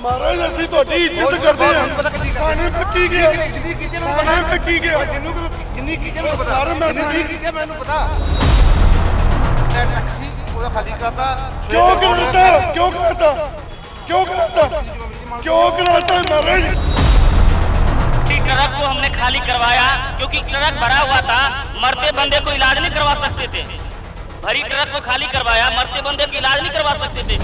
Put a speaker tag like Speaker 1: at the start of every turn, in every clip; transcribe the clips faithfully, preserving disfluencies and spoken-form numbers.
Speaker 1: महाराज ਅਸੀਂ ਤੁਹਾਡੀ ਇੱਜ਼ਤ ਕਰਦੇ ਹਾਂ ਥਾਣੇ में ਕੀ ਗਿਆ ਥਾਣੇ में ਕੀ ਗਿਆ
Speaker 2: ਜਿੰਨੀ ਕੀ ਮੈਨੂੰ ਪਤਾ
Speaker 1: ਸਰ ਮੈਂ
Speaker 2: ਜਿੰਨੀ ਕੀ ਗਿਆ ਮੈਨੂੰ ਪਤਾ ਟੈਕਸੀ ਉਹਦਾ ਖਾਲੀ ਕਰਦਾ
Speaker 1: क्यों कराता क्यों कराता क्यों कराता क्यों कराता महाराज
Speaker 3: ट्रक को हमने खाली करवाया क्योंकि ट्रक भरा हुआ था। मरते बंदे को इलाज नहीं करवा सकते थे। भरी ट्रक को खाली करवाया, मरते बंदे को इलाज नहीं करवा सकते थे।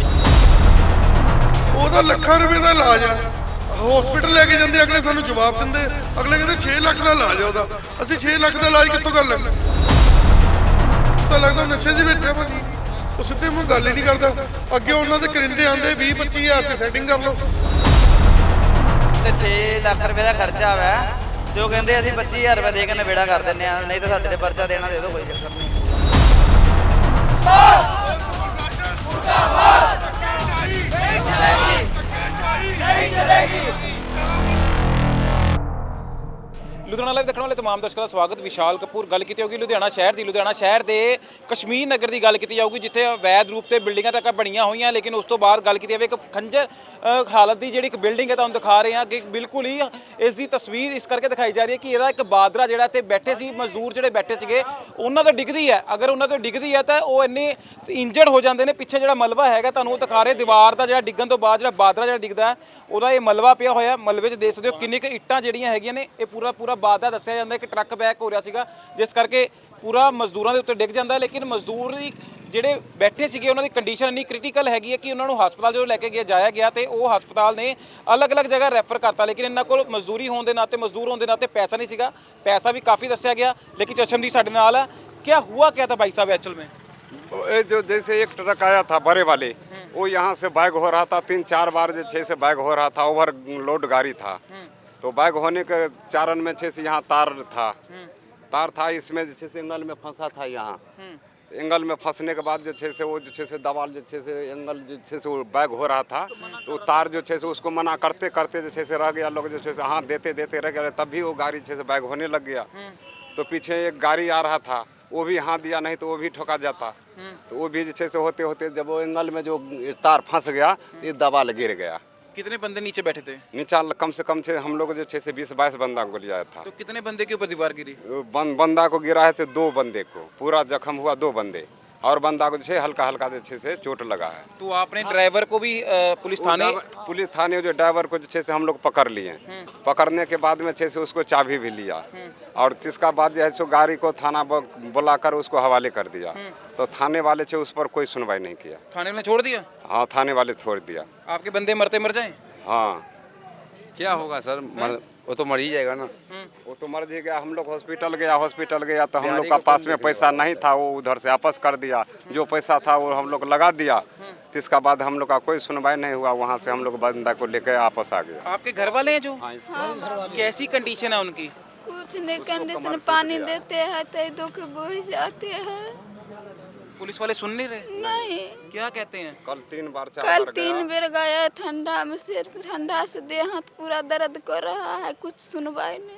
Speaker 1: ਉਹਦਾ ਲੱਖਾਂ ਰੁਪਏ ਦਾ ਇਲਾਜ ਆ ਹਸਪੀਟਲ ਲੈ ਕੇ ਜਾਂਦੇ ਅਗਲੇ ਸਾਨੂੰ ਜਵਾਬ ਦਿੰਦੇ ਅਗਲੇ ਕਹਿੰਦੇ ਛੇ ਲੱਖ ਦਾ ਇਲਾਜ ਆ ਉਹਦਾ ਅਸੀਂ ਛੇ ਲੱਖ ਦਾ ਇਲਾਜ ਕਿੱਥੋਂ ਕਰ ਲੈਂਦੇ ਤਾਂ ਲੱਗਦਾ ਨਸ਼ੇ 'ਚ ਬੈਠਾ ਭਾਜੀ ਉਹ ਸਿੱਧੇ ਮੂੰਹ ਗੱਲ ਹੀ ਨਹੀਂ ਕਰਦਾ ਅੱਗੇ ਉਹਨਾਂ ਦੇ ਕਰਿੰਦੇ ਆਂਦੇ ਵੀਹ ਪੱਚੀ ਹਜ਼ਾਰ 'ਚ ਸੈਟਿੰਗ ਕਰ ਲਓ
Speaker 4: ਤੇ ਛੇ ਲੱਖ ਰੁਪਏ ਦਾ ਖਰਚਾ ਵਾ ਜੋ ਕਹਿੰਦੇ ਅਸੀਂ ਪੱਚੀ ਹਜ਼ਾਰ ਰੁਪਏ ਦੇ ਕੇ ਨਵੇੜਾ ਕਰ ਦਿੰਦੇ ਆ ਨਹੀਂ ਤਾਂ ਸਾਡੇ ਤੇ ਪਰਚਾ ਦੇਣਾ ਦੇ ਦਿਓ ਕੋਈ ਚੱਕਰ ਨਹੀਂ।
Speaker 5: ਲੁਧਿਆਣਾ ਲਾਈਵ ਦੇਖਣ ਵਾਲੇ ਤਮਾਮ ਦਰਸ਼ਕਾਂ ਦਾ ਸਵਾਗਤ। ਵਿਸ਼ਾਲ ਕਪੂਰ ਗੱਲ ਕੀਤੀ ਹੋਗੀ ਲੁਧਿਆਣਾ ਸ਼ਹਿਰ ਦੀ। ਲੁਧਿਆਣਾ ਸ਼ਹਿਰ ਦੇ ਕਸ਼ਮੀਰ ਨਗਰ ਦੀ ਗੱਲ ਕੀਤੀ ਜਾਊਗੀ ਜਿੱਥੇ ਅਵੈਧ ਰੂਪ ਤੇ ਬਿਲਡਿੰਗਾਂ ਤੱਕ ਬਣੀਆਂ ਹੋਈਆਂ ਲੇਕਿਨ ਉਸ ਤੋਂ ਬਾਅਦ ਗੱਲ ਕੀਤੀ ਜਾਵੇ ਇੱਕ ਖੰਜਰ ਹਾਲਤ ਦੀ ਜਿਹੜੀ ਇੱਕ ਬਿਲਡਿੰਗ ਹੈ ਤੁਹਾਨੂੰ ਦਿਖਾ ਰਹੇ ਹਾਂ ਕਿ ਬਿਲਕੁਲ ਹੀ ਇਸ ਦੀ ਤਸਵੀਰ ਇਸ ਕਰਕੇ ਦਿਖਾਈ ਜਾ ਰਹੀ ਹੈ ਕਿ ਇਹਦਾ ਇੱਕ ਬਾਦਰਾ ਜਿਹੜਾ ਤੇ ਬੈਠੇ ਸੀ ਮਜ਼ਦੂਰ ਜਿਹੜੇ ਬੈਠੇ ਸੀਗੇ ਉਹਨਾਂ ਤੋਂ ਡਿੱਗਦੀ ਹੈ। ਅਗਰ ਉਹਨਾਂ ਤੋਂ ਡਿੱਗਦੀ ਹੈ ਤਾਂ ਉਹ ਇੰਨੇ ਇੰਜਰਡ ਹੋ ਜਾਂਦੇ ਨੇ। ਪਿੱਛੇ ਜਿਹੜਾ ਮਲਬਾ ਹੈਗਾ ਤੁਹਾਨੂੰ ਉਹ ਦਿਖਾ ਰਹੇ ਦੀਵਾਰ ਦਾ ਜਿਹੜਾ ਡਿੱਗਣ ਤੋਂ ਬਾਅਦ ਜਿਹੜਾ ਬਾਦਰਾ ਜਿਹੜਾ ਡਿੱਗਦਾ ਉਹਦਾ ਇਹ ਮਲਬਾ ਪਿਆ ਹੋਇਆ। ਮਲਬੇ 'ਚ ਦੇਖ ਸਕਦੇ ਹੋ ਕਿੰਨੀ ਕੁ ਇੱਟਾਂ ਜਿਹੜੀਆਂ ਹੈਗੀਆਂ ਨੇ। ਇਹ ਪੂਰਾ ਪੂਰਾ ਬਾਦਰਾ ਦੱਸਿਆ ਜਾਂਦਾ ਕਿ ਟਰੱਕ ਬੈਕ ਹੋ ਰਿਹਾ ਸੀਗਾ ਜਿਸ ਕਰਕੇ ਪੂਰਾ ਮਜ਼ਦੂਰਾਂ ਦੇ ਉੱਤੇ ਡਿੱਗ ਜਾਂਦਾ। ਲੇਕਿਨ ਮਜ਼ਦੂਰ ਜਿਹੜੇ ਬੈਠੇ ਸੀਗੇ ਉਹਨਾਂ ਦੀ ਕੰਡੀਸ਼ਨ ਇੰਨੀ ਕ੍ਰਿਟੀਕਲ ਹੈਗੀ ਹੈ ਕਿ ਉਹਨਾਂ ਨੂੰ ਹਸਪਤਾਲ ਜਦੋਂ ਲੈ ਕੇ ਗਿਆ ਜਾਇਆ ਗਿਆ ਤੇ ਉਹ ਹਸਪਤਾਲ ਨੇ ਅਲੱਗ-ਅਲੱਗ ਜਗ੍ਹਾ ਰੈਫਰ ਕਰਤਾ। ਲੇਕਿਨ ਇਹਨਾਂ ਕੋਲ ਮਜ਼ਦੂਰੀ ਹੋਣ ਦੇ ਨਾਤੇ ਮਜ਼ਦੂਰ ਹੋਣ ਦੇ ਨਾਤੇ ਪੈਸਾ ਨਹੀਂ ਸੀਗਾ। ਪੈਸਾ ਵੀ ਕਾਫੀ ਦੱਸਿਆ ਗਿਆ ਲੇਕਿन चशमदीद ਸਾਡੇ ਨਾਲ ਹੈ। क्या हुआ क्या था भाई साहब एक्चुअल में?
Speaker 6: जो जैसे एक ट्रक आया था बड़े वाले वो यहाँ से बैग हो रहा था तीन चार बार जो छः से बैग हो रहा था ओवर लोड गाड़ी था तो बैग होने के चारण में छः से यहाँ तार था तार था इसमें जो छः से एंगल में फंसा था यहाँ एंगल में फंसने के बाद जो छः से वो जो छः से दवाल जो छः से एंगल जो छः से वो बैग हो रहा था तो तार जो छः से उसको मना करते करते जो छः से रह गया लोग जो छः से हाथ देते देते रह गया तभी वो गाड़ी छः से बैग होने लग गया। तो पीछे एक गाड़ी आ रहा था वो भी हाथ दिया नहीं तो वो भी ठोका जाता तो वो भी जैसे होते होते जब वो एंगल में जो तार फंस गया तो ये दबाल गिर गया।
Speaker 5: कितने बंदे नीचे बैठे थे?
Speaker 6: नीचा कम से कम से हम लोग जो छः से बीस बाईस बंदा को लिया था।
Speaker 5: तो कितने बंदे के ऊपर दीवार गिरी?
Speaker 6: बं, बंदा को गिरा है तो दो बंदे को पूरा जख्म हुआ दो बंदे और बंदा को जो हल्का हल्का जो से चोट लगा है।
Speaker 5: तो आपने ड्राइवर को भी पुलिस थाने
Speaker 6: पुलिस थाने जो ड्राइवर को जो से हम लोग पकड़ लिए पकड़ने के बाद में छः से उसको चाबी भी लिया और इसका बाद जो है सो गाड़ी को थाना बुलाकर उसको हवाले कर दिया तो थाने वाले से उस पर कोई सुनवाई नहीं किया।
Speaker 5: थाने में छोड़ दिया?
Speaker 6: हाँ थाने वाले छोड़ दिया।
Speaker 5: आपके बंदे मरते मर जाए?
Speaker 6: हाँ
Speaker 7: क्या होगा सर मर, वो तो मर ही जाएगा ना।
Speaker 6: वो तो मर ही गया। हम लोग हॉस्पिटल गया हॉस्पिटल गया तो हम लोग का पास में पैसा नहीं था वो उधर से वापस कर दिया जो पैसा था वो हम लोग लगा दिया तो इसका बाद हम लोग का कोई सुनवाई नहीं हुआ वहाँ से हम लोग बंदा को लेकर वापस आ गया।
Speaker 5: आपके घर वाले हैं जो?
Speaker 6: हाँ,
Speaker 5: हाँ, कैसी कंडीशन है उनकी?
Speaker 8: कुछ नहीं कंडीशन पानी देते हैं तो दुख बुझ जाते हैं।
Speaker 5: पुलिस वाले सुन नहीं रहे?
Speaker 8: नहीं।
Speaker 5: क्या कहते हैं?
Speaker 6: कल तीन बार चार
Speaker 8: कल
Speaker 6: बार
Speaker 8: तीन बेर गया ठंडा में से ठंडा से देह हाथ पूरा दर्द कर रहा है कुछ सुनवाई नहीं।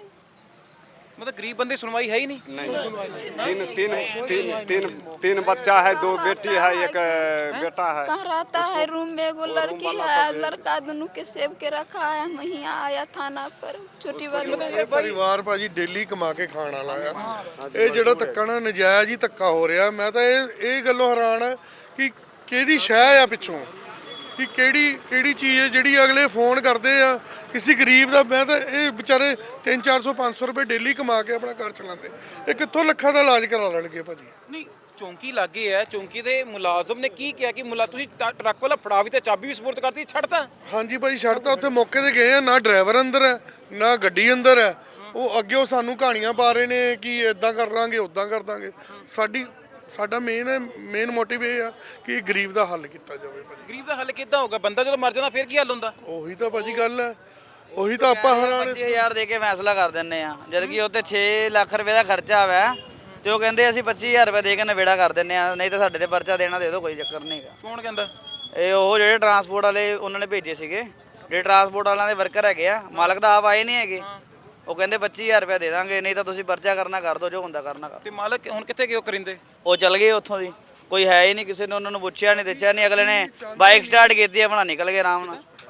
Speaker 5: मतलब गरीब बंदे सुनवाई है ही नहीं?
Speaker 6: नहीं तीन तीन तीन तीन तीन बच्चा है दो बेटी है एक बेटा है।
Speaker 8: कहाँ रहता है रूम में एगो लड़की है लड़का दोनों के सेव के रखा है। मैं यहाँ आया थाना पर छोटी वाली
Speaker 1: ਇਹ ਪਰਿਵਾਰ ਭਾਜੀ ਡੇਲੀ ਕਮਾ ਕੇ ਖਾਣ ਵਾਲਾ ਆ ਇਹ ਜਿਹੜਾ ਧੱਕਾ ਨਾ ਨਜਾਇਜ਼ ਹੀ ਧੱਕਾ ਹੋ ਰਿਹਾ। ਮੈਂ ਤਾਂ ਇਹ ਇਹ ਗੱਲੋਂ ਹੈਰਾਨ ਆ ਕਿ ਕਿਹਦੀ ਸ਼ਹਿ ਆ ਪਿੱਛੋਂ ਕਿ ਕਿਹੜੀ ਕਿਹੜੀ ਚੀਜ਼ ਹੈ ਜਿਹੜੀ ਅਗਲੇ ਫੋਨ ਕਰਦੇ ਆ ਕਿਸੇ ਗਰੀਬ ਦਾ। ਮੈਂ ਤਾਂ ਇਹ ਵਿਚਾਰੇ ਤਿੰਨ ਚਾਰ ਸੌ ਪੰਜ ਸੌ ਰੁਪਏ ਡੇਲੀ ਕਮਾ ਕੇ ਆਪਣਾ ਘਰ ਚਲਾਉਂਦੇ ਇਹ ਕਿੱਥੋਂ ਲੱਖਾਂ ਦਾ ਇਲਾਜ ਕਰਾ ਲੈਣਗੇ ਭਾਜੀ।
Speaker 5: ਨਹੀਂ ਚੌਂਕੀ ਲੱਗੇ ਹੈ ਚੌਂਕੀ ਦੇ ਮੁਲਾਜ਼ਮ ਨੇ ਕੀ ਕਿਹਾ ਕਿ ਮੁਲਾ ਤੁਸੀਂ ਟਰੱਕ ਵਾਲਾ ਫੜਾ ਵੀ ਤੇ ਚਾਬੀ ਵੀ ਸਪੁਰਦ ਕਰਤੀ ਛੱਡਤਾ?
Speaker 1: ਹਾਂਜੀ ਭਾਈ ਛੱਡਤਾ ਉੱਥੇ ਮੌਕੇ ਤੇ ਗਏ ਆ ਨਾ ਡਰਾਈਵਰ ਅੰਦਰ ਹੈ ਨਾ ਗੱਡੀ ਅੰਦਰ ਹੈ। ਉਹ ਅੱਗੇ ਉਹ ਸਾਨੂੰ ਕਹਾਣੀਆਂ ਪਾ ਰਹੇ ਨੇ ਕਿ ਇਦਾਂ ਕਰ ਲਾਂਗੇ ਉਦਾਂ ਕਰ ਦਾਂਗੇ। ਸਾਡੀ ਸਾਡਾ ਮੇਨ ਮੇਨ ਮੋਟਿਵ ਇਹ ਆ ਕਿ ਗਰੀਬ ਦਾ ਹੱਲ ਕੀਤਾ ਜਾਵੇ ਭਾਜੀ।
Speaker 5: ਗਰੀਬ ਦਾ ਹੱਲ ਕਿੱਦਾਂ ਹੋਊਗਾ? ਬੰਦਾ ਜਦੋਂ ਮਰ ਜਾਂਦਾ ਫਿਰ ਕੀ ਹੱਲ ਹੁੰਦਾ?
Speaker 1: ਉਹੀ ਤਾਂ ਭਾਜੀ ਗੱਲ ਹੈ ਉਹੀ ਤਾਂ ਆਪਾਂ ਹੈਰਾਨ
Speaker 4: ਪੱਚੀ ਹਜ਼ਾਰ ਦੇ ਕੇ ਫੈਸਲਾ ਕਰ ਦਿੰਦੇ ਆ ਜਦ ਕਿ ਉੱਤੇ ਛੇ ਲੱਖ ਰੁਪਏ ਦਾ ਖਰਚਾ ਵਾ ਤੇ ਉਹ ਕਹਿੰਦੇ ਅਸੀਂ ਪੱਚੀ ਹਜ਼ਾਰ ਰੁਪਏ ਦੇ ਕੇ ਨਵੇੜਾ ਕਰ ਦਿੰਦੇ ਆ ਨਹੀਂ ਤਾਂ ਸਾਡੇ ਤੇ ਪਰਚਾ ਦੇਣਾ ਦੇ ਦਿਓ ਕੋਈ ਚੱਕਰ ਨਹੀਂ ਹੈਗਾ।
Speaker 5: ਕੌਣ ਕਹਿੰਦਾ?
Speaker 4: ਇਹ ਉਹ ਜਿਹੜੇ ਟਰਾਂਸਪੋਰਟ ਵਾਲੇ ਉਹਨਾਂ ਨੇ ਭੇਜੇ ਸੀਗੇ ਜਿਹੜੇ ਟਰਾਂਸਪੋਰਟ ਵਾਲਿਆਂ ਦੇ ਵਰਕਰ ਹੈਗੇ ਆ ਮਾਲਕ ਦਾ ਆਪ ਆਏ ਨਹੀਂ ਹੈਗੇ। ਉਹ ਕਹਿੰਦੇ ਪੱਚੀ ਹਜ਼ਾਰ ਰੁਪਏ ਦੇ ਦਾਂਗੇ ਨਹੀਂ ਤਾਂ ਤੁਸੀਂ ਪਰਚਾ ਕਰਨਾ ਕਰ ਦਿਓ ਜੋ ਹੁੰਦਾ ਕਰਨਾ ਕਰ।
Speaker 5: ਤੇ ਮਾਲਕ ਹੁਣ ਕਿੱਥੇ ਗਏ ਉਹ ਕਰਿੰਦੇ?
Speaker 4: ਉਹ ਚੱਲ ਗਏ ਉੱਥੋਂ ਦੀ ਕੋਈ ਹੈ ਹੀ ਨਹੀਂ ਕਿਸੇ ਨੇ ਉਹਨਾਂ ਨੂੰ ਪੁੱਛਿਆ ਨਹੀਂ ਦੱਸਿਆ ਨਹੀਂ। ਅਗਲੇ ਨੇ ਬਾਈਕ ਸਟਾਰਟ ਕੀਤੀ ਆਪਣਾ ਨਿਕਲ ਗਏ ਆਰਾਮ ਨਾਲ।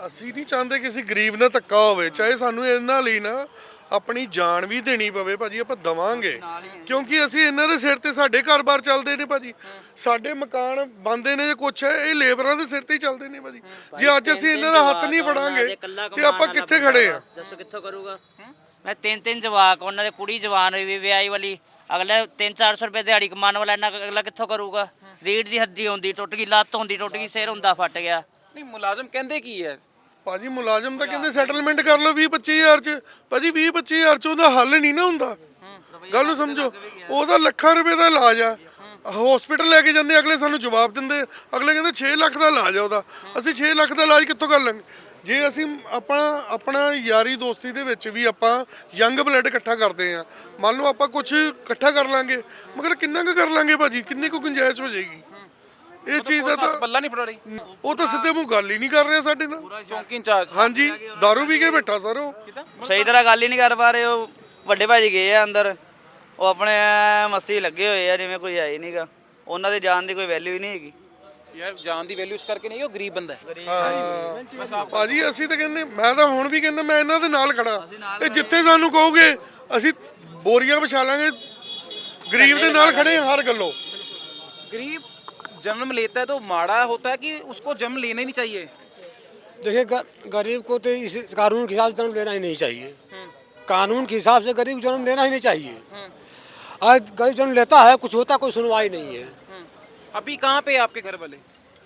Speaker 1: ਅਸੀਂ ਨਹੀਂ ਚਾਹੁੰਦੇ ਕਿਸੇ ਗਰੀਬ ਨਾਲ ਧੱਕਾ ਹੋਵੇ, ਚਾਹੇ ਸਾਨੂੰ ਇਹਨਾਂ ਲਈ ਨਾ ਆਪਣੀ ਜਾਨ ਵੀ ਦੇਣੀ ਪਵੇ ਭਾਜੀ, ਆਪਾਂ ਦਵਾਂਗੇ, ਕਿਉਂਕਿ ਅਸੀਂ ਇਹਨਾਂ ਦੇ ਸਿਰ ਤੇ ਸਾਡੇ ਘਰ-ਬਾਰ ਚੱਲਦੇ ਨੇ ਭਾਜੀ, ਸਾਡੇ ਮਕਾਨ ਬਣਦੇ ਨੇ, ਜੇ ਕੁਛ ਹੈ ਇਹ ਲੇਬਰਾਂ ਦੇ ਸਿਰ ਤੇ ਹੀ ਚੱਲਦੇ ਨੇ ਭਾਜੀ। ਜੇ ਅੱਜ ਅਸੀਂ ਇਹਨਾਂ ਦਾ ਹੱਥ ਨਹੀਂ ਫੜਾਂਗੇ ਤੇ ਆਪਾਂ ਕਿੱਥੇ ਖੜੇ ਆ?
Speaker 3: ਦੱਸੋ ਕਿੱਥੋਂ ਕਰੂਗਾ? ਮੈਂ ਤਿੰਨ ਤਿੰਨ ਜਵਾਕ, ਉਹਨਾਂ ਦੇ ਕੁੜੀ ਜਵਾਨ ਹੋਈ ਵੀ ਵਿਆਹੀ ਵਾਲੀ, ਅਗਲੇ ਤਿੰਨ ਚਾਰ ਸੌ ਰੁਪਏ ਦਿਹਾੜੀ ਕਮਾਉਣ ਵਾਲਾ ਇਹਨਾਂ ਅਗਲਾ ਕਿੱਥੋਂ ਕਰੂਗਾ? ਰੀੜ ਦੀ ਹੱਡੀ ਹੁੰਦੀ ਟੁੱਟ ਗਈ, ਲੱਤ ਹੁੰਦੀ ਟੁੱਟ ਗਈ, ਸਿਰ ਹੁੰਦਾ ਫਟ ਗਿਆ।
Speaker 5: ਨਹੀਂ ਮੁਲਾਜ਼ਮ ਕਹਿੰਦੇ ਕੀ ਹੈ
Speaker 1: ਭਾਜੀ ਮੁਲਾਜ਼ਮ ਤਾਂ ਕਹਿੰਦੇ ਸੈਟਲਮੈਂਟ ਕਰ ਲਓ ਵੀਹ ਪੱਚੀ ਹਜ਼ਾਰ ਚ, ਭਾਜੀ ਵੀਹ ਪੱਚੀ ਹਜ਼ਾਰ ਚ ਉਹਦਾ ਹੱਲ ਨਹੀਂ ਨਾ ਹੁੰਦਾ, ਗੱਲ ਨੂੰ ਸਮਝੋ। ਉਹਦਾ ਲੱਖਾਂ ਰੁਪਏ ਦਾ ਇਲਾਜ ਆ, ਹਸਪੀਟਲ ਲੈ ਕੇ ਜਾਂਦੇ ਅਗਲੇ ਸਾਨੂੰ ਜਵਾਬ ਦਿੰਦੇ, ਅਗਲੇ ਕਹਿੰਦੇ ਛੇ ਲੱਖ ਦਾ ਇਲਾਜ ਆ ਉਹਦਾ, ਅਸੀਂ ਛੇ ਲੱਖ ਦਾ ਇਲਾਜ ਕਿੱਥੋਂ ਕਰ ਲਾਂਗੇ? ਜੇ ਅਸੀਂ ਆਪਣਾ ਆਪਣਾ ਯਾਰੀ ਦੋਸਤੀ ਦੇ ਵਿੱਚ ਵੀ ਆਪਾਂ ਯੰਗ ਬਲੱਡ ਇਕੱਠਾ ਕਰਦੇ ਆ, ਮੰਨ ਲਓ ਆਪਾਂ ਕੁਝ ਇਕੱਠਾ ਕਰ ਲਾਂਗੇ, ਮਗਰ ਕਿੰਨਾ ਕੁ ਕਰ ਲਾਂਗੇ ਭਾਜੀ, ਕਿੰਨੀ ਕੁ ਗੁੰਜਾਇਸ਼ ਹੋ ਜਾਏਗੀ? ਇਹ ਚੀਜ਼ ਦਾ ਤਾਂ
Speaker 5: ਪੱਲਾ ਨਹੀਂ ਫੜਾ ਰਹੀ,
Speaker 1: ਉਹ ਤਾਂ ਸਿੱਧੇ ਮੂੰਹ ਗੱਲ ਹੀ ਨਹੀਂ ਕਰ ਰਿਹਾ ਸਾਡੇ ਨਾਲ।
Speaker 5: ਚੌਂਕੀ ਇੰਚਾਰਜ
Speaker 1: ਹਾਂਜੀ ਦਾਰੂ ਪੀ ਕੇ ਬੈਠਾ ਸਰ ਉਹ।
Speaker 4: ਸਹੀ ਤਰ੍ਹਾਂ ਗੱਲ ਹੀ ਨਹੀਂ ਕਰ ਪਾ ਰਹੇ। ਉਹ ਵੱਡੇ ਭਾਜੀ ਗਏ ਆ ਅੰਦਰ, ਉਹ ਆਪਣੇ ਮਸਤੀ ਲੱਗੇ ਹੋਏ ਆ ਜਿਵੇਂ ਕੋਈ ਹੈ ਹੀ ਨਹੀਂਗਾ, ਉਹਨਾਂ ਦੇ ਜਾਨ ਦੀ ਕੋਈ ਵੈਲਿਊ ਹੀ ਨਹੀਂ ਹੈਗੀ।
Speaker 5: ਯਾਰ ਜਾਨ ਦੀ ਵੈਲਿਊ ਇਸ ਕਰਕੇ ਨਹੀਂ, ਉਹ ਗਰੀਬ ਬੰਦਾ ਹੈ।
Speaker 1: ਹਾਂ ਭਾਜੀ ਅਸੀਂ ਤਾਂ ਕਹਿੰਦੇ, ਮੈਂ ਤਾਂ ਹੁਣ ਵੀ ਕਹਿੰਦਾ ਮੈਂ ਇਹਨਾਂ ਦੇ ਨਾਲ ਖੜਾ, ਇਹ ਜਿੱਥੇ ਸਾਨੂੰ ਕਹੋਗੇ ਅਸੀਂ ਬੋਰੀਆਂ ਵਿਛਾ ਲਾਂਗੇ, ਗਰੀਬ ਦੇ ਨਾਲ ਖੜੇ ਹਾਂ ਹਰ ਗੱਲੋਂ।
Speaker 5: गरीब जन्म लेता है तो माड़ा होता है कि उसको जन्म लेना ही नहीं चाहिए?
Speaker 9: देखिए ग- गरीब को तो इस कानून के हिसाब से जन्म लेना ही नहीं चाहिए, कानून के हिसाब से गरीब जन्म लेना ही नहीं चाहिए। आज गरीब जन्म लेता है, कुछ होता कोई सुनवाई नहीं है।
Speaker 5: अभी कहाँ पे आपके घर वाले?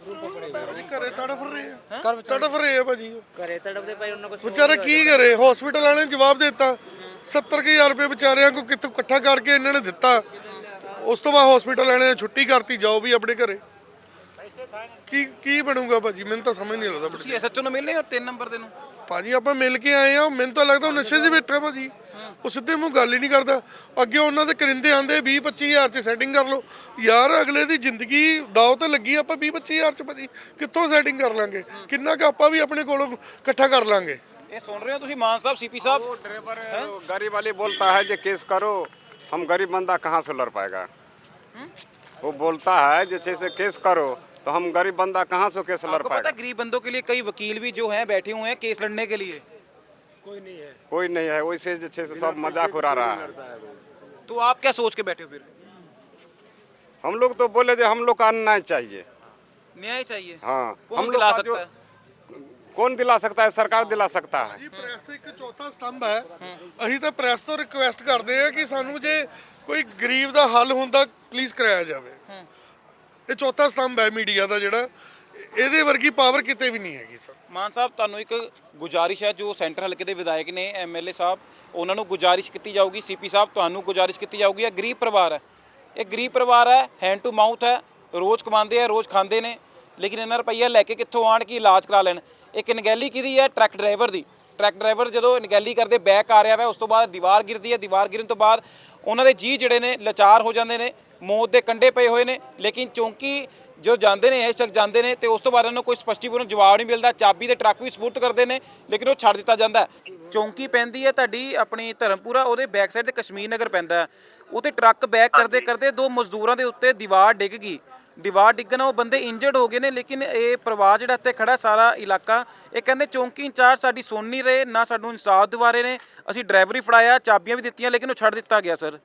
Speaker 1: ਘਰੇ ਤੜਫ ਰਹੇ ਆ, ਤੜਫ ਰਹੇ ਆ ਭਾਜੀ,
Speaker 3: ਘਰੇ ਤੜਪਦੇ ਪਏ, ਉਹਨਾਂ ਕੋਲ
Speaker 1: ਵਿਚਾਰਾ ਕੀ ਕਰੇ? ਹਸਪੀਟਲ ਵਾਲਿਆਂ ਨੇ ਜਵਾਬ ਦੇ ਦਿੱਤਾ, ਸੱਤਰ ਕੁ ਹਜ਼ਾਰ ਰੁਪਏ ਵਿਚਾਰਿਆਂ ਕੋ ਕਿੱਥੋਂ ਇਕੱਠਾ ਕਰਕੇ ਇਹਨਾਂ ਨੇ ਦਿੱਤਾ, ਉਸ ਤੋਂ ਬਾਅਦ ਹਸਪੀਟਲ ਵਾਲਿਆਂ ਨੇ ਛੁੱਟੀ ਕਰਤੀ, ਜਾਓ ਵੀ ਆਪਣੇ ਘਰੇ। ਕੀ ਕੀ ਬਣੂਗਾ ਭਾਜੀ? ਮੈਨੂੰ ਤਾਂ ਸਮਝ ਨਹੀਂ ਲੱਗਦਾ
Speaker 5: ਤੁਸੀਂ ਐਸਐਚਓ ਨੂੰ ਮਿਲਨੇ ਹੋ ਤਿੰਨ ਨੰਬਰ ਦੇ ਨੂੰ?
Speaker 1: ਭਾਜੀ ਆਪਾਂ ਮਿਲ ਕੇ ਆਏ ਆ, ਮੈਨੂੰ ਤਾਂ ਲੱਗਦਾ ਉਹ ਨਸ਼ੇ 'ਚ ਬੈਠਾ ਭਾਜੀ, ਉਹ ਸਿੱਧੇ ਮੂੰਹ ਗੱਲ ਹੀ ਨਹੀਂ ਕਰਦਾ। ਅੱਗੇ ਉਹਨਾਂ ਦੇ ਕਰਿੰਦੇ ਆਂਦੇ ਵੀਹ ਪੱਚੀ ਹਜ਼ਾਰ 'ਚ ਸੈਟਿੰਗ ਕਰ ਲਓ, ਯਾਰ ਅਗਲੇ ਦੀ ਜ਼ਿੰਦਗੀ ਦਾਅ ਤੇ ਲੱਗੀ, ਆਪਾਂ ਵੀਹ ਪੱਚੀ ਹਜ਼ਾਰ 'ਚ ਭਾਜੀ ਕਿੱਥੋਂ ਸੈਟਿੰਗ ਕਰ ਲਾਂਗੇ? ਕਿੰਨਾ ਕੁ ਆਪਾਂ ਵੀ ਆਪਣੇ ਕੋਲੋਂ ਇਕੱਠਾ ਕਰ ਲਾਂਗੇ?
Speaker 5: ਇਹ ਸੁਣ ਰਹੇ ਹੋ ਤੁਸੀਂ ਮਾਨ ਸਾਹਿਬ, ਸੀਪੀ ਸਾਹਿਬ?
Speaker 6: वो ड्राइवर गाड़ी वाले बोलता है जो केस करो, हम गरीब बंदा कहाँ से लड़ पाएगा? वो बोलता है जैसे से केस करो तो हम गरीब बंदा कहाँ से केस लड़
Speaker 5: आपको पता
Speaker 6: पाएगा?
Speaker 5: है गरीब बंदों के लिए कई वकील भी जो हैं बैठे हुए हैं केस लड़ने के लिए?
Speaker 9: कोई नहीं है।
Speaker 6: कोई नहीं है, वैसे जैसे से सब मजाक उड़ा रहा है।
Speaker 5: तो आप क्या सोच के बैठे हो फिर?
Speaker 6: हम लोग तो बोले जो हम लोग का न्याय चाहिए।
Speaker 5: न्याय चाहिए?
Speaker 6: हाँ
Speaker 5: कौन
Speaker 6: हम लोग
Speaker 5: दिला
Speaker 6: का
Speaker 5: सकता
Speaker 6: जो-
Speaker 5: है?
Speaker 6: कौन दिला सकता है? सरकार दिला सकता है।
Speaker 1: ਜੀ ਪ੍ਰੈਸ ਇੱਕ ਚੌਥਾ ਸਤੰਭ ਹੈ, ਅਸੀਂ ਤਾਂ ਪ੍ਰੈਸ ਤੋਂ ਰਿਕੁਐਸਟ ਕਰਦੇ ਆ ਕਿ ਸਾਨੂੰ ਜੇ ਕੋਈ ਗਰੀਬ ਦਾ ਹੱਲ ਹੁੰਦਾ ਪਲੀਜ਼ ਕਰਾਇਆ ਜਾਵੇ। ਇਹ ਚੌਥਾ ਸਤੰਭ ਹੈ ਮੀਡੀਆ ਦਾ ਜਿਹੜਾ, ਇਹਦੇ ਵਰਗੀ ਪਾਵਰ ਕਿਤੇ ਵੀ ਨਹੀਂ ਹੈਗੀ ਸਰ।
Speaker 5: ਮਾਨ ਸਾਹਿਬ ਤੁਹਾਨੂੰ ਇੱਕ ਗੁਜ਼ਾਰਿਸ਼ ਹੈ, ਜੋ ਸੈਂਟਰ ਹਲਕੇ ਦੇ ਵਿਧਾਇਕ ਨੇ ਐਮਐਲਏ ਸਾਹਿਬ, ਉਹਨਾਂ ਨੂੰ ਗੁਜ਼ਾਰਿਸ਼ ਕੀਤੀ ਜਾਊਗੀ, ਸੀਪੀ ਸਾਹਿਬ ਤੁਹਾਨੂੰ ਗੁਜ਼ਾਰਿਸ਼ ਕੀਤੀ ਜਾਊਗੀ। ਇਹ ਗਰੀਬ ਪਰਿਵਾਰ ਹੈ, ਇਹ ਗਰੀਬ ਪਰਿਵਾਰ ਹੈ, ਹੈਂਡ ਟੂ ਮਾਊਥ ਹੈ, ਰੋਜ਼ ਕਮਾਉਂਦੇ ਆ, ਰੋਜ਼ ਖਾਂਦੇ ਨੇ, ਲੇਕਿਨ ਇਹਨਾਂ ਰੁਪਈਆ ਲੈ ਕੇ ਕਿੱਥੋਂ ਆਣ ਕਿ ਇਲਾਜ ਕਰਾ ਲੈਣ। ਇੱਕ ਅਣਗਹਿਲੀ ਕਿਹਦੀ ਹੈ? ਟਰੱਕ ਡਰਾਈਵਰ ਦੀ। ਟਰੱਕ ਡਰਾਈਵਰ ਜਦੋਂ ਅਣਗਹਿਲੀ ਕਰਦੇ ਬੈਕ ਆ ਰਿਹਾ ਵਾ, ਉਸ ਤੋਂ ਬਾਅਦ ਦੀਵਾਰ ਗਿਰਦੀ ਹੈ, ਦੀਵਾਰ ਗਿਰਨ ਤੋਂ ਬਾਅਦ ਉਹਨਾਂ ਦੇ ਜੀਅ ਜਿਹੜੇ ਨੇ ਲਾਚਾਰ ਹੋ ਜਾਂਦੇ ਨੇ, ਮੌਤ ਦੇ ਕੰਢੇ ਪਏ ਹੋਏ ਨੇ, ਲੇਕਿਨ ਚੌਂਕੀ ਜੋ ਜਾਂਦੇ ਨੇ, ਇਹ ਸ਼ਖਸ ਜਾਂਦੇ ਨੇ ਤੇ ਉਸ ਤੋਂ ਬਾਅਦ ਉਹਨਾਂ ਨੂੰ ਕੋਈ ਸਪਸ਼ਟੀਕਰਨ ਜਵਾਬ ਨਹੀਂ ਮਿਲਦਾ। ਚਾਬੀ ਤੇ ਟਰੱਕ ਵੀ ਸਪੁਰਦ ਕਰਦੇ ਨੇ, ਲੇਕਿਨ ਉਹ ਛੱਡ ਦਿੱਤਾ ਜਾਂਦਾ ਹੈ। ਚੌਂਕੀ ਪੈਂਦੀ ਹੈ ਤੁਹਾਡੀ ਆਪਣੀ ਧਰਮਪੁਰਾ, ਉਹਦੇ ਬੈਕ ਸਾਈਡ ਤੇ ਕਸ਼ਮੀਰ ਨਗਰ ਪੈਂਦਾ ਹੈ, ਉਹਤੇ ਟਰੱਕ ਬੈਕ ਕਰਦੇ ਕਰਦੇ ਦੋ ਮਜ਼ਦੂਰਾਂ ਦੇ ਉੱਤੇ ਦੀਵਾਰ ਡਿੱਗ ਗਈ। ਦੀਵਾਰ ਡਿੱਗਣ ਨਾਲ ਉਹ ਬੰਦੇ ਇੰਜਰਡ ਹੋ ਗਏ ਨੇ, ਲੇਕਿਨ ਇਹ ਪਰਿਵਾਰ ਜਿਹੜਾ ਇੱਥੇ ਖੜਾ ਸਾਰਾ ਇਲਾਕਾ, ਇਹ ਕਹਿੰਦੇ ਚੌਂਕੀ ਇੰਚਾਰਜ ਸਾਡੀ ਸੁਣ ਨਹੀਂ ਰਹੇ, ਨਾ ਸਾਨੂੰ ਇਨਸਾਫ ਦਿਵਾ ਰਹੇ ਨੇ। ਅਸੀਂ ਡਰਾਈਵਰੀ ਫੜਾਇਆ, ਚਾਬੀਆਂ ਵੀ ਦਿੱਤੀਆਂ, ਲੇਕਿਨ ਉਹ ਛੱਡ ਦਿੱਤਾ ਗਿਆ ਸਰ।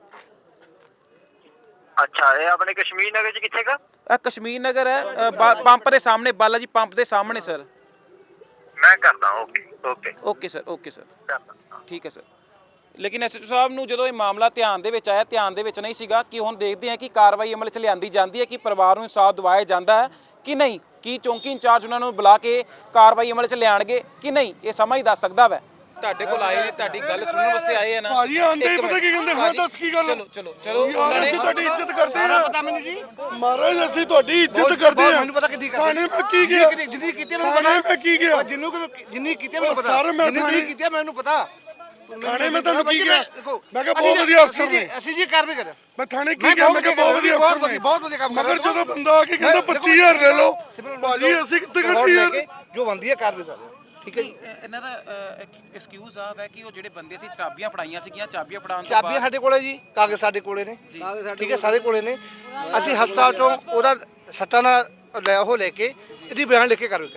Speaker 2: ਅੱਛਾ ਇਹ ਆਪਣੇ ਕਸ਼ਮੀਰ ਨਗਰ ਚ ਕਿੱਥੇ ਕਾ?
Speaker 5: ਇਹ ਕਸ਼ਮੀਰ ਨਗਰ ਹੈ, ਅ, ਬਾ- ਪੰਪ ਦੇ ਸਾਹਮਣੇ, ਬਾਲਾ ਜੀ ਪੰਪ ਦੇ ਸਾਹਮਣੇ ਸਰ।
Speaker 2: ਮੈਂ ਕਰਦਾ, okay okay
Speaker 5: okay sir, okay sir,
Speaker 2: ਕਰਦਾ।
Speaker 5: ਠੀਕ ਹੈ ਸਰ। ਲੇਕਿਨ ਐਸਐਚਓ ਸਾਹਿਬ ਨੂੰ ਜਦੋਂ ਇਹ ਮਾਮਲਾ ਧਿਆਨ ਦੇ ਵਿੱਚ ਆਇਆ, ਧਿਆਨ ਦੇ ਵਿੱਚ ਨਹੀਂ ਸੀਗਾ ਕਿ ਹੁਣ ਦੇਖਦੇ ਹਾਂ ਕਿ ਕਾਰਵਾਈ ਅਮਲ 'ਚ ਲਿਆਂਦੀ ਜਾਂਦੀ ਹੈ, ਕਿ ਪਰਿਵਾਰ ਨੂੰ ਇਨਸਾਫ ਦਿਵਾਇਆ ਜਾਂਦਾ ਹੈ ਕਿ ਨਹੀਂ, ਕਿ ਚੌਂਕੀ ਇੰਚਾਰਜ ਉਹਨਾਂ ਨੂੰ ਬੁਲਾ ਕੇ ਕਾਰਵਾਈ ਅਮਲ 'ਚ ਲਿਆਣਗੇ ਕਿ ਨਹੀਂ, ਇਹ ਸਮਾਂ ਹੀ ਦੱਸ ਸਕਦਾ ਵੈ। ਤੁਹਾਡੇ ਕੋਲ ਆਏ ਨੇ, ਤੁਹਾਡੀ ਗੱਲ ਸੁਣਨ ਵਾਸਤੇ ਆਏ ਆ ਨਾ
Speaker 1: ਭਾਜੀ ਆਂਦੇ
Speaker 5: ਇੱਕ
Speaker 1: ਪਤਾ
Speaker 5: ਮਿੰਟ।
Speaker 1: ਕੀ ਕਹਿੰਦੇ, ਹਾਂ ਦੱਸ ਕੀ ਗੱਲ?
Speaker 5: ਚਲੋ ਚਲੋ ਚਲੋ
Speaker 1: ਯਾਰ
Speaker 5: ਉਹਨਾਂ ਨੇ-
Speaker 1: ਅਸੀਂ ਤੁਹਾਡੀ ਇੱਜ਼ਤ ਕਰਦੇ ਆ
Speaker 2: ਪਤਾ ਮੈਨੂੰ ਜੀ,
Speaker 1: ਮਹਾਰਾਜ, ਅਸੀਂ ਤੁਹਾਡੀ ਇੱਜ਼ਤ
Speaker 2: ਬਹੁਤ-
Speaker 1: ਕਰਦੇ
Speaker 2: ਬਹੁਤ
Speaker 1: ਆ।
Speaker 2: ਮੈਨੂੰ ਪਤਾ ਕਿੱਡੀ ਕਰਦੇ।
Speaker 1: ਥਾਣੇ ਮੈਂ ਕੀ ਗਿਆ?
Speaker 2: ਜਿੰਨੀ ਕੀਤੀ ਮੈਨੂੰ
Speaker 1: ਥਾਣੇ
Speaker 2: ਪਤਾ।
Speaker 1: ਮੈਂ ਕੀ ਗਿਆ?
Speaker 2: ਜਿੰਨੂੰ ਜਿੰਨੀ ਕੀਤੀ ਮੈਨੂੰ
Speaker 1: ਉਹ
Speaker 2: ਪਤਾ।
Speaker 1: ਸਰ ਮੈਂ
Speaker 2: ਜਿੰਨੀ
Speaker 1: ਥਾਣੇ-
Speaker 2: ਕੀਤੀ ਮੈਨੂੰ ਪਤਾ।
Speaker 1: ਥਾਣੇ ਮੈਂ ਤੁਹਾਨੂੰ ਕੀ ਕਿਹਾ?
Speaker 2: ਦੇਖੋ,
Speaker 1: ਮੈਂ ਕਿਹਾ
Speaker 2: ਅਸੀਂ
Speaker 1: ਬਹੁਤ
Speaker 2: ਜੀ-
Speaker 1: ਵਧੀਆ ਅਫਸਰ
Speaker 2: ਅਸੀਂ ਜੀ-
Speaker 1: ਨੇ।
Speaker 2: ਅਸੀਂ ਜੀ ਕਾਰਵਾਈ ਕਰ।
Speaker 1: ਮੈਂ ਥਾਣੇ ਕੀ
Speaker 2: ਮੈਂ
Speaker 1: ਕਿਹਾ?
Speaker 2: ਬਹੁਤ
Speaker 1: ਮੈਂ ਕਿਹਾ
Speaker 2: ਵਧੀਆ
Speaker 1: ਬਹੁਤ ਵਧੀਆ
Speaker 2: ਬਹੁਤ
Speaker 1: ਅਫਸਰ ਨੇ,
Speaker 2: ਬਹੁਤ ਵਧੀਆ ਕੰਮ ਕਰ
Speaker 1: ਮਗਰ
Speaker 2: ਰਹੇ ਹੋ।
Speaker 1: ਜਦੋਂ ਬੰਦਾ ਆ ਕੇ ਕਹਿੰਦਾ ਪੱਚੀ ਹਜ਼ਾਰ ਲੈ ਲਓ, ਭਾਜੀ ਅਸੀਂ ਕਿੱਥੇ ਖੜਦੇ ਯਾਰ?
Speaker 2: ਜੋ ਬੰਦੀ ਹੈ ਕਾਰਵਾਈ ਕਰ ਰਹੇ ਹੋ, ਠੀਕ ਹੈ ਜੀ।
Speaker 5: ਇਹਨਾਂ ਦਾ ਐਕਸਕਿਊਜ਼ ਆ ਹੈ ਕਿ ਉਹ ਜਿਹੜੇ ਬੰਦੇ ਸੀ ਚਾਬੀਆਂ ਫੜਾਈਆਂ ਸੀਗੀਆਂ, ਚਾਬੀਆਂ ਫੜਾਉਣ ਤੋਂ
Speaker 2: ਚਾਬੀਆਂ
Speaker 5: ਬਾਅਦ
Speaker 2: ਸਾਡੇ ਕੋਲੇ ਜੀ, ਕਾਗਜ਼ ਸਾਡੇ ਕੋਲੇ ਨੇ, ਠੀਕ ਹੈ, ਸਾਡੇ ਕੋਲੇ ਨੇ। ਅਸੀਂ ਹਸਪਤਾਲ ਤੋਂ ਉਹਦਾ ਸੱਟਾਂ ਨਾਲ ਲੈ ਉਹ ਲੈ ਕੇ ਇਹਦੀ ਬਿਆਨ ਲਿਖ ਕੇ ਕਾਰਵਾਈ ਕਰ ਰਹੇ ਹਾਂ।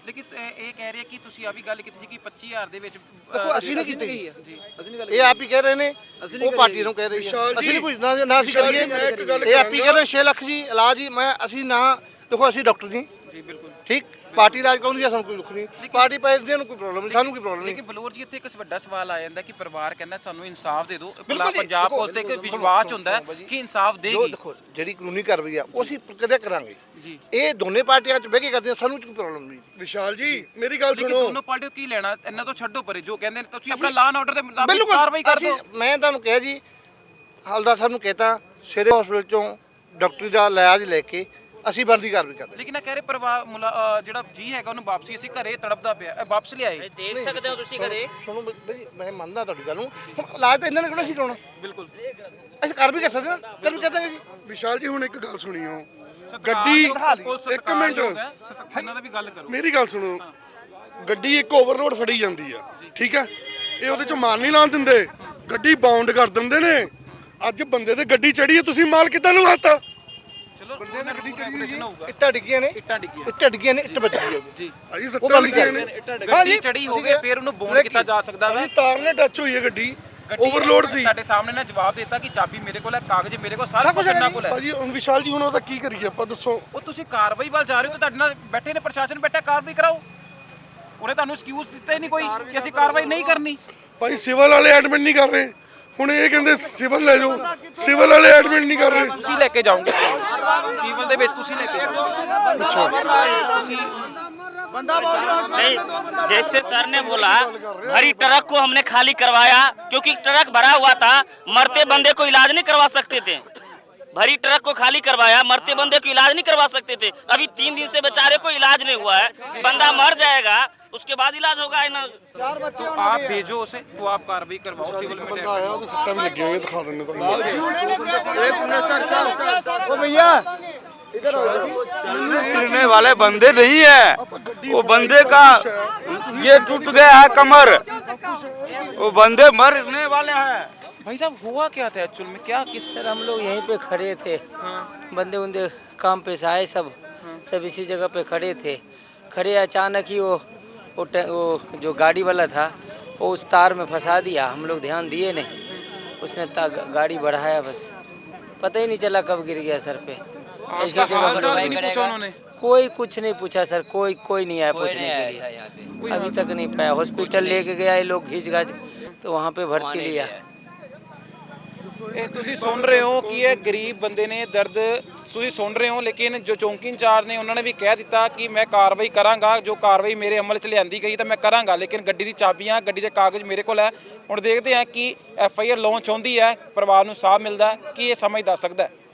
Speaker 5: ਲੇਕਿਨ ਇਹ ਕਹਿ ਰਹੇ ਕਿ ਤੁਸੀਂ ਆ ਵੀ ਗੱਲ ਕੀਤੀ ਸੀ ਕਿ ਪੱਚੀ ਹਜ਼ਾਰ ਦੇ ਵਿੱਚ
Speaker 2: ਦੇਖੋ ਅਸੀਂ ਨਹੀਂ ਕੀਤੀ
Speaker 5: ਜੀ ਅਸੀਂ ਨਹੀਂ ਗੱਲ
Speaker 2: ਇਹ ਆਪ ਹੀ ਕਹਿ ਰਹੇ ਨੇ ਉਹ ਪਾਰਟੀ ਨੂੰ ਕਹਿ ਰਹੀ ਹੈ ਅਸੀਂ ਨਹੀਂ ਕੁਝ ਨਾ ਨਾ ਅਸੀਂ ਕਰੀਏ ਇਹ ਆਪ ਹੀ ਕਹਿ ਰਹੇ ਛੇ ਲੱਖ ਜੀ ਇਲਾਜ ਹੀ ਮੈਂ ਅਸੀਂ ਨਾ ਦੇਖੋ ਅਸੀਂ ਡਾਕਟਰ ਜੀ
Speaker 5: ਜੀ ਬਿਲਕੁਲ
Speaker 2: ਠੀਕ ਪਾਰਟੀ ਇਲਾਜ ਕਰਾਉਂਦੀ ਹੈ ਸਾਨੂੰ ਕੋਈ ਦੁੱਖ ਨਹੀਂ ਪਾਰਟੀ ਪੈਸੇ ਨੂੰ ਕੋਈ ਪ੍ਰੋਬਲਮ ਨਹੀਂ ਸਾਨੂੰ ਕੋਈ ਪ੍ਰੋਬਲਮ ਨਹੀਂ
Speaker 5: ਲੇਕਿਨ ਬਲੌਰ ਜੀ ਇੱਥੇ ਇੱਕ ਵੱਡਾ ਸਵਾਲ ਆ ਜਾਂਦਾ ਕਿ ਪਰਿਵਾਰ ਕਹਿੰਦਾ ਸਾਨੂੰ ਇਨਸਾਫ ਦੇ ਦਿਓ
Speaker 2: ਬਿਲਕੁਲ ਜੀ,
Speaker 5: ਪੰਜਾਬ
Speaker 2: ਦੇਖੋ,
Speaker 5: ਪੁਲਿਸ ਤੇ ਇੱਕ
Speaker 2: ਦੇਖੋ,
Speaker 5: ਵਿਸ਼ਵਾਸ
Speaker 2: ਸੁਣੋ,
Speaker 5: ਹੁੰਦਾ ਹੈ
Speaker 2: ਸੁਣੋ ਬਾਈ
Speaker 5: ਕਿ ਇਨਸਾਫ
Speaker 2: ਜੋ
Speaker 5: ਦੇਗੀ
Speaker 2: ਦੇਖੋ ਜਿਹੜੀ ਕਾਨੂੰਨੀ ਕਾਰਵਾਈ ਆ ਉਹ ਅਸੀਂ ਕਦੇ ਕਰਾਂਗੇ
Speaker 5: ਜੀ
Speaker 2: ਇਹ ਦੋਨੇ ਪਾਰਟੀਆਂ ਚ ਬਹਿ ਕੇ ਕਰਦੇ ਆ, ਸਾਨੂੰ ਕੋਈ ਪ੍ਰੋਬਲਮ ਨਹੀਂ
Speaker 1: ਵਿਸ਼ਾਲ ਜੀ ਮੇਰੀ ਗੱਲ
Speaker 5: ਲੇਕਿਨ
Speaker 1: ਸੁਣੋ
Speaker 5: ਦੋਨੋਂ ਪਾਰਟੀਆਂ ਕੀ ਲੈਣਾ ਇਹਨਾਂ ਤੋਂ ਛੱਡੋ ਪਰੇ ਜੋ ਕਹਿੰਦੇ ਨੇ ਤੁਸੀਂ ਆਪਣਾ ਲਾਅ ਐਂਡ ਆਰਡਰ ਦੇ ਮੁਤਾਬਿਕ
Speaker 2: ਬਿਲਕੁਲ
Speaker 5: ਕਾਰਵਾਈ ਕਰ
Speaker 2: ਅਸੀਂ
Speaker 5: ਦਿਓ
Speaker 2: ਮੈਂ ਤੁਹਾਨੂੰ ਕਿਹਾ ਜੀ ਹਲਦਾਰ ਸਾਹਿਬ ਨੂੰ ਕਹਿਤਾ ਸਿਰੇ ਹਸਪੀਟਲ ਚੋਂ ਡਾਕਟਰੀ ਦਾ ਇਲਾਜ ਲੈ ਕੇ ਅਸੀਂ ਬੰਦੀ ਕਾਰਵਾਈ ਕਰਦੇ
Speaker 5: ਲੇਕਿਨ ਇਹ ਕਹਿ ਰਹੇ ਪਰਿਵਾਰ ਮੁਲਾ- ਅਹ ਜਿਹੜਾ ਜੀ ਹੈਗਾ ਉਹਨੂੰ ਵਾਪਸੀ ਅਸੀਂ ਘਰੇ ਤੜਪਦਾ ਪਿਆ ਇਹ ਵਾਪਸ ਲਿਆਏ
Speaker 3: देख सकते हो तुसी घरे
Speaker 2: ਸੁਣੋ ਬਈ ਮੈਂ ਮੰਨਦਾ ਤੁਹਾਡੀ ਗੱਲ ਨੂੰ ਹੁਣ ਇਲਾਜ ਤਾਂ ਇਹਨਾਂ ਨੇ ਕਿਹੜਾ ਸੀ ਕਰਾਉਣਾ
Speaker 5: ਬਿਲਕੁਲ
Speaker 2: ਅਸੀਂ ਕਰ ਵੀ ਕਰ ਸਕਦੇ ਨਾ ਕਰ ਵੀ ਕਹਦਾਂਗੇ ਜੀ
Speaker 1: ਵਿਸ਼ਾਲ ਜੀ ਹੁਣ ਇੱਕ ਗੱਲ ਸੁਣੀਓ
Speaker 5: ਗੱਡੀ
Speaker 1: ਗੱਡੀ ਇੱਕ ਮਿੰਟ
Speaker 5: ਉਹਨਾਂ ਦਾ ਵੀ ਗੱਲ ਕਰੋ
Speaker 1: ਮੇਰੀ ਗੱਲ ਸੁਣੋ ਗੱਡੀ ਇੱਕ ਓਵਰਲੋਡ ਫੜੀ ਜਾਂਦੀ ਆ ਠੀਕ ਹੈ ਇਹ ਉਹਦੇ ਚੋਂ ਮਾਲ ਨਹੀਂ ਲਾਣ ਦਿੰਦੇ ਗੱਡੀ ਬਾਉਂਡ ਕਰ ਦਿੰਦੇ ਨੇ ਅੱਜ ਬੰਦੇ ਤੇ ਗੱਡੀ ਚੜੀ ਹੈ ਤੁਸੀਂ ਮਾਲ ਕਿੱਦਾਂ ਲਵਾਤਾ
Speaker 5: ਚਲੋ ਬੰਦੇ ਨੇ ਗੱਡੀ ਕਿਹੜੀ ਜੀ
Speaker 2: ਇੱਟਾਂ ਡਿੱਗੀਆਂ ਨੇ
Speaker 5: ਇੱਟਾਂ ਡਿੱਗੀਆਂ
Speaker 2: ਇੱਟਾਂ ਡਿੱਗੀਆਂ ਨੇ ਇੱਟ ਵੱਜੀ ਹੈ
Speaker 5: ਜੀ
Speaker 1: ਭਾਜੀ
Speaker 2: ਉਹ
Speaker 1: ਸੱਟਾਂ
Speaker 2: ਬੰਦ
Speaker 1: ਲੱਗੀਆਂ
Speaker 2: ਕਰ
Speaker 1: ਨੇ
Speaker 5: ਗੱਡੀ ਚੜੀ ਹੋਵੇ ਫਿਰ ਉਹਨੂੰ ਬੌਂਡ ਕੀਤਾ ਜਾ ਸਕਦਾ ਵਾ
Speaker 1: ਭਾਜੀ ਤਾਰ ਨਾਲ ਟੱਚ ਹੋਈ ਹੈ ਗੱਡੀ
Speaker 5: ਗੱਡੀ
Speaker 1: ਓਵਰਲੋਡ ਸੀ
Speaker 5: ਤੁਹਾਡੇ ਸਾਹਮਣੇ ਨਾ ਜਵਾਬ ਦਿੱਤਾ ਕਿ ਚਾਬੀ ਮੇਰੇ ਕੋਲ ਹੈ ਕਾਗਜ਼ ਮੇਰੇ ਕੋਲ ਸਾਰਾ ਕੁਝ ਇਹਨਾਂ ਕੋਲ ਹੈ
Speaker 1: ਭਾਜੀ ਹੁਣ ਵਿਸ਼ਾਲ ਜੀ ਹੁਣ ਉਹਦਾ ਕੀ ਕਰੀਏ ਆਪਾਂ ਦੱਸੋ
Speaker 5: ਉਹ ਤੁਸੀਂ ਕਾਰਵਾਈ ਵੱਲ ਜਾ ਰਹੇ ਹੋ ਤੇ ਤੁਹਾਡੇ ਨਾਲ ਬੈਠੇ ਨੇ ਪ੍ਰਸ਼ਾਸਨ ਬੈਠਾ ਕਾਰਵਾਈ ਕਰਾਓ ਉਹਨੇ ਤੁਹਾਨੂੰ ਐਕਸਕਿਊਜ਼ ਦਿੱਤਾ ਹੀ ਨਹੀਂ ਕੋਈ ਕਿ ਅਸੀਂ ਕਾਰਵਾਈ ਨਹੀਂ ਕਰਨੀ
Speaker 1: ਭਾਈ ਸਿਵਲ ਵਾਲੇ ਐਡਮਿਟ ਨਹੀਂ ਕਰ ਰਹੇ ਹੁਣ ਇਹ ਕਹਿੰਦੇ ਸਿਵਲ ਲੈ ਜਾਓ ਸਿਵਲ ਵਾਲੇ ਐਡਮਿਟ ਨਹੀਂ ਕਰ ਰਹੇ
Speaker 5: ਤੁਸੀਂ ਲੈ ਕੇ ਜਾਓਗੇ ਸਿਵਲ ਦੇ ਵਿੱਚ ਤੁਸੀਂ ਲੈ ਕੇ ਜਾਓਗੇ
Speaker 3: नहीं जैसे सर ने बोला भरी ट्रक को हमने खाली करवाया क्योंकि ट्रक भरा हुआ था मरते बंदे को इलाज नहीं करवा सकते थे भरी ट्रक को खाली करवाया मरते बंदे को इलाज नहीं करवा सकते थे अभी तीन दिन से बेचारे को इलाज नहीं हुआ है बंदा मर जाएगा उसके बाद इलाज होगा है ना
Speaker 5: तो आप भेजो उसे तो आप कार्रवाई करवाओ सिविल में
Speaker 1: ਬੰਦਾ ਆਇਆ ਉਹਦੇ ਸੱਟਾਂ ਵੀ ਲੱਗੀਆਂ ਹੋਈਆਂ ਦਿਖਾ ਦਿੰਦੇ ਤੁਹਾਨੂੰ
Speaker 2: भैया
Speaker 7: गिरने वाले बंदे नहीं है वो बंदे का ये टूट गया है कमर वो बंदे मरने वाले हैं
Speaker 5: भाई साहब हुआ क्या था एक्चुअल में क्या किस
Speaker 10: सर हम लोग यहीं पे खड़े थे बंदे उन्दे काम पे से आए सब सब इसी जगह पे खड़े थे खड़े अचानक ही वो वो, टे- वो जो गाड़ी वाला था वो उस तार में फंसा दिया हम लोग ध्यान दिए नहीं उसने ता, गाड़ी बढ़ाया बस पता ही नहीं चला कब गिर गया सर पे ऐसी
Speaker 5: आपका हाल
Speaker 10: जगह
Speaker 5: चाल
Speaker 10: पर
Speaker 5: भी नहीं पूछा उन्होंने
Speaker 10: कोई कुछ नहीं पूछा सर कोई कोई नहीं आया पूछने के लिए अभी तक नहीं पाया हॉस्पिटल लेके गया ये लोग घिंच घाच तो वहाँ पे भर्ती लिया
Speaker 5: ਇਹ ਤੁਸੀਂ ਸੁਣ ਰਹੇ ਹੋ ਕਿ ਇਹ ਗਰੀਬ ਬੰਦੇ ਨੇ ਦਰਦ ਤੁਸੀਂ ਸੁਣ ਰਹੇ ਹੋ ਲੇਕਿਨ ਜੋ ਚੌਂਕੀ ਇੰਚਾਰਜ ਨੇ ਉਹਨਾਂ ਨੇ ਵੀ ਕਹਿ ਦਿੱਤਾ ਕਿ ਮੈਂ ਕਾਰਵਾਈ ਕਰਾਂਗਾ ਜੋ ਕਾਰਵਾਈ ਮੇਰੇ ਅਮਲ 'ਚ ਲਿਆਂਦੀ ਗਈ ਤਾਂ ਮੈਂ ਕਰਾਂਗਾ ਲੇਕਿਨ ਗੱਡੀ ਦੀ ਚਾਬੀਆਂ ਗੱਡੀ ਦੇ ਕਾਗਜ਼ ਮੇਰੇ ਕੋਲ ਹੈ ਹੁਣ ਦੇਖਦੇ ਹਾਂ ਕਿ ਐਫ ਆਈ ਆਰ ਲਾਂਚ ਹੁੰਦੀ ਹੈ ਪਰਿਵਾਰ ਨੂੰ ਸਾਥ ਮਿਲਦਾ ਹੈ ਕਿ ਇਹ ਸਮਝ ਦੱਸ ਸਕਦਾ ਹੈ।